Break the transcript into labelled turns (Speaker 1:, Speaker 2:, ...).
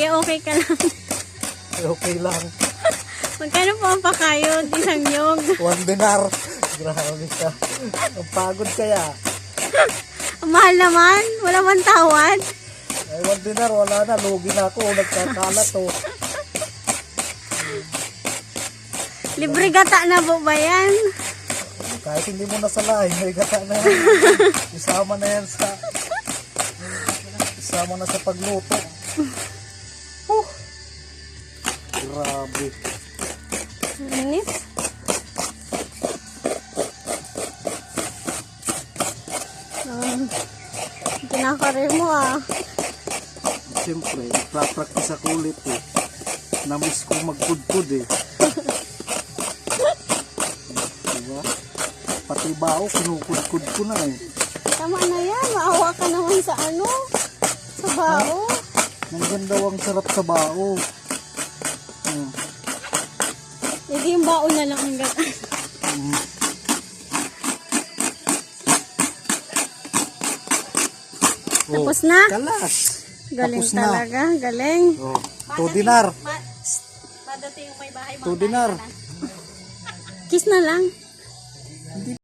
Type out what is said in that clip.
Speaker 1: okay ka lang.
Speaker 2: Okay lang.
Speaker 1: Magkano po ang pakayod? Isang nyog.
Speaker 2: 1 dinar. Grabe ka. Ang pagod kaya.
Speaker 1: Ang mahal naman. Wala man tawad.
Speaker 2: Ay, 1 dinar. Wala na. Lugi na ako. Nagkakalat to.
Speaker 1: Libre gata na po ba yan?
Speaker 2: Kahit hindi mo nasalahin, may gata na yan. Isama na yan sa... Isama na sa pagluto. Grabe.
Speaker 1: Init. Kinakarir mo ah.
Speaker 2: Siyempre, nagpa-practice ako ulit eh. Namiss ko magkudkud eh. Diba? Pati bao, kinukudkud ko na eh.
Speaker 1: Tama na yan. Maawa ka naman sa ano? Sa bao.
Speaker 2: Nandyan daw ang sarap sa bao.
Speaker 1: Hindi yung bao na lang ang gata. Tapos na?
Speaker 2: Kalas.
Speaker 1: Galing
Speaker 2: Tapos na.
Speaker 1: talaga. Galing.
Speaker 2: Oh, 2 dinar.
Speaker 1: Padating yung may bahay.
Speaker 2: 2 dinar.
Speaker 1: Kiss na lang.